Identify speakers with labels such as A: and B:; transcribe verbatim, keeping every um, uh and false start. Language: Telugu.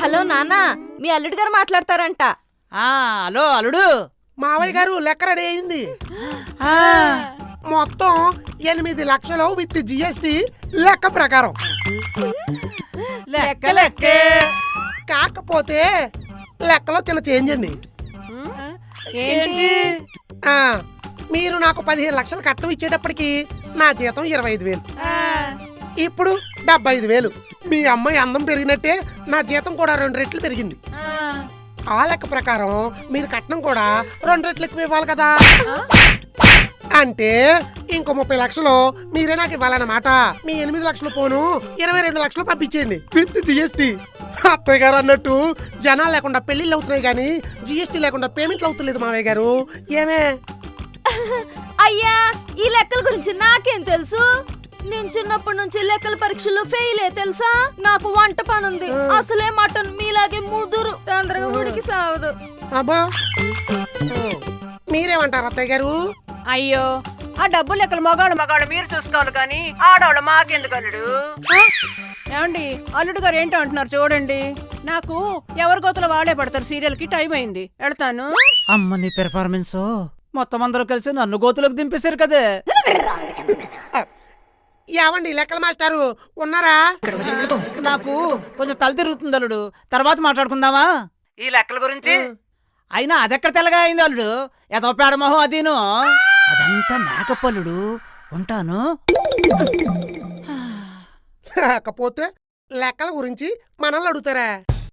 A: హలో నాన్న, మీ అల్లుడు గారు మాట్లాడతారంట.
B: ఆ హలో అల్లుడు.
C: మావయ్య గారు లెక్క రెడీ అయింది. మొత్తం ఎనిమిది లక్షలు విత్ జిఎస్టి లెక్క ప్రకారం.
B: లెక్క లెక్కే.
C: కాకపోతే లెక్కలో చిన్న చేంజ్ అండి.
B: ఏంటి?
C: ఆ, మీరు నాకు పదిహేను లక్షలు కట్నం ఇచ్చేటప్పటికి నా జీతం ఇరవై ఐదు వేలు, ఇప్పుడు డెబ్బై ఐదు వేలు. మీ అమ్మాయి అందం పెరిగినట్టే నా జీతం కూడా రెండు రెట్లు పెరిగింది. ఆ లెక్క ప్రకారం మీరు కట్నం కూడా రెండు రెట్లు ఎక్కువ ఇవ్వాలి కదా. అంటే ఇంకో ముప్పై లక్షలు మీరే నాకు ఇవ్వాలన్నమాట. మీ ఎనిమిది లక్షలు పోను ఇరవై రెండు లక్షలు పంపించేయండి విత్ జిఎస్టి. అత్తయ్య గారు అన్నట్టు జనాలు లేకుండా పెళ్లిళ్ళు అవుతున్నాయి కానీ జిఎస్టి లేకుండా పేమెంట్లు అవుతలేదు మావయ్య గారు. ఏమే
A: అయ్యా, ఈ లెక్కల గురించి నాకేం తెలుసు? నేను చిన్నప్పటి నుంచి లెక్కల పరీక్షల్లో ఫెయిలే తెలుసా. నాకు వంట పనుంది. అసలే మటన్ మీలాగే ముదురు తొందరగా ఉడికి సావదు.
C: అబ్బా, మీరేమంటారు అత్తయ్య గారు?
D: అయ్యో, ఆ డబ్బు లెక్కలు మగాడు మగాడు మీరు చూసుకోవాలి కానీ ఆడవాళ్ళు మాకెందుకు అల్లుడు? ఏమండి, అల్లుడు గారు ఏంటో అంటున్నారు చూడండి. నాకు ఎవరి గోతలు వాడే పడతారు. సీరియల్ కి టైం అయింది, వెళ్తాను.
B: అమ్మ నీ పెర్ఫార్మెన్స్ మొత్తం అందరూ కలిసి నన్ను గోతులోకి దింపేశారు కదే.
C: ఏమండి లెక్కల మాస్టారు ఉన్నారా?
B: నాకు కొంచెం తల తిరుగుతుంది అల్లుడు, తర్వాత మాట్లాడుకుందామా ఈ లెక్కల గురించి. అయినా అదెక్కడ తెల్లగా అయింది అల్లుడు, ఏదో పేడమోహం అదీను. అదంతా మేకప్ అల్లుడు. ఉంటాను.
C: కాకపోతే లెక్కల గురించి మనల్ని అడుగుతారా?